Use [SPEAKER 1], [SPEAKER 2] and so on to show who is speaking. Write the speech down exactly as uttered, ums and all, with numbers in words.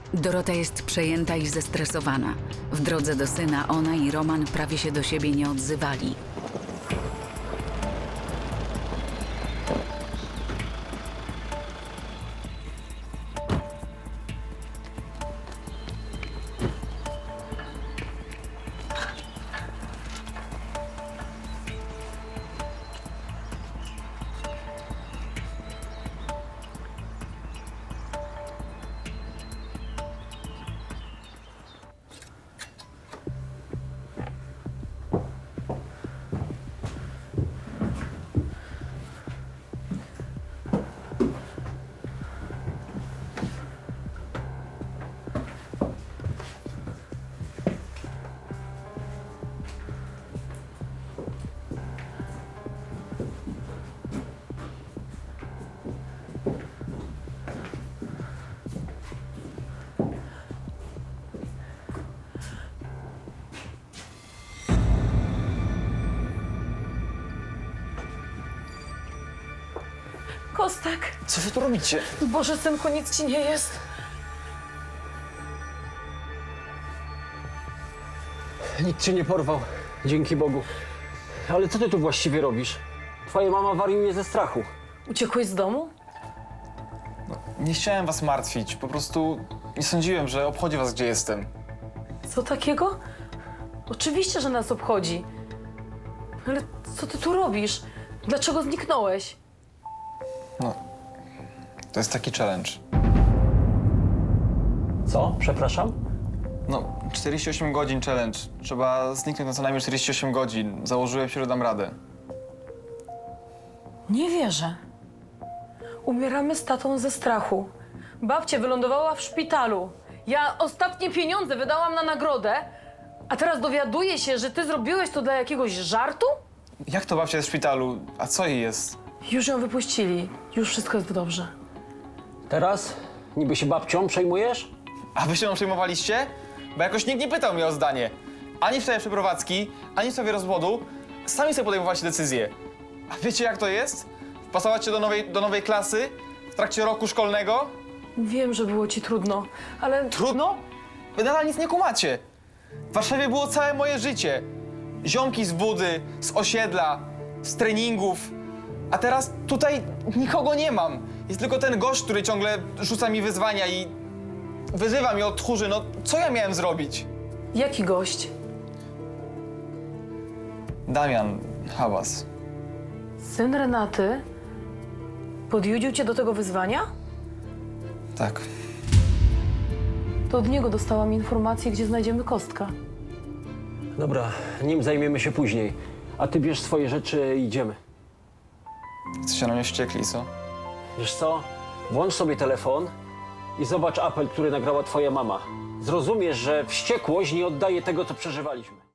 [SPEAKER 1] Dorota jest przejęta i zestresowana. W drodze do syna ona i Roman prawie się do siebie nie odzywali.
[SPEAKER 2] Kostek!
[SPEAKER 3] Co wy tu robicie?
[SPEAKER 2] Boże, synku, nic ci nie jest.
[SPEAKER 4] Nikt cię nie porwał, dzięki Bogu. Ale co ty tu właściwie robisz? Twoja mama wariuje ze strachu.
[SPEAKER 2] Uciekłeś z domu?
[SPEAKER 3] Nie chciałem was martwić, po prostu nie sądziłem, że obchodzi was, gdzie jestem.
[SPEAKER 2] Co takiego? Oczywiście, że nas obchodzi. Ale co ty tu robisz? Dlaczego zniknąłeś?
[SPEAKER 3] No, to jest taki challenge.
[SPEAKER 4] Co? Przepraszam?
[SPEAKER 3] No, czterdzieści osiem godzin challenge. Trzeba zniknąć na co najmniej czterdzieści osiem godzin. Założyłem się, że dam radę.
[SPEAKER 2] Nie wierzę. Umieramy z tatą ze strachu. Babcia wylądowała w szpitalu. Ja ostatnie pieniądze wydałam na nagrodę, a teraz dowiaduję się, że ty zrobiłeś to dla jakiegoś żartu?
[SPEAKER 3] Jak to babcia jest w szpitalu? A co jej jest?
[SPEAKER 2] Już ją wypuścili. Już wszystko jest dobrze.
[SPEAKER 4] Teraz? Niby się babcią przejmujesz?
[SPEAKER 3] A wy się mną przejmowaliście? Bo jakoś nikt nie pytał mnie o zdanie. Ani w sprawie przeprowadzki, ani w sprawie rozwodu. Sami sobie podejmowaliście decyzje. A wiecie, jak to jest? Wpasować się do nowej, do nowej klasy w trakcie roku szkolnego?
[SPEAKER 2] Wiem, że było ci trudno, ale
[SPEAKER 3] Trudno? Wy nadal nic nie kumacie. W Warszawie było całe moje życie. Ziomki z budy, z osiedla, z treningów. A teraz tutaj nikogo nie mam. Jest tylko ten gość, który ciągle rzuca mi wyzwania i wyzywa mnie od tchórzy. No, co ja miałem zrobić?
[SPEAKER 2] jaki gość?
[SPEAKER 3] Damian Hałas.
[SPEAKER 2] Syn Renaty podjudził cię do tego wyzwania?
[SPEAKER 3] Tak.
[SPEAKER 2] To od niego dostałam informację, gdzie znajdziemy Kostka.
[SPEAKER 4] Dobra, nim zajmiemy się później. A ty bierz swoje rzeczy i idziemy.
[SPEAKER 3] Jesteście na mnie wściekli, co?
[SPEAKER 4] Wiesz co? Włącz sobie telefon i zobacz apel, który nagrała twoja mama. Zrozumiesz, że wściekłość nie oddaje tego, co przeżywaliśmy.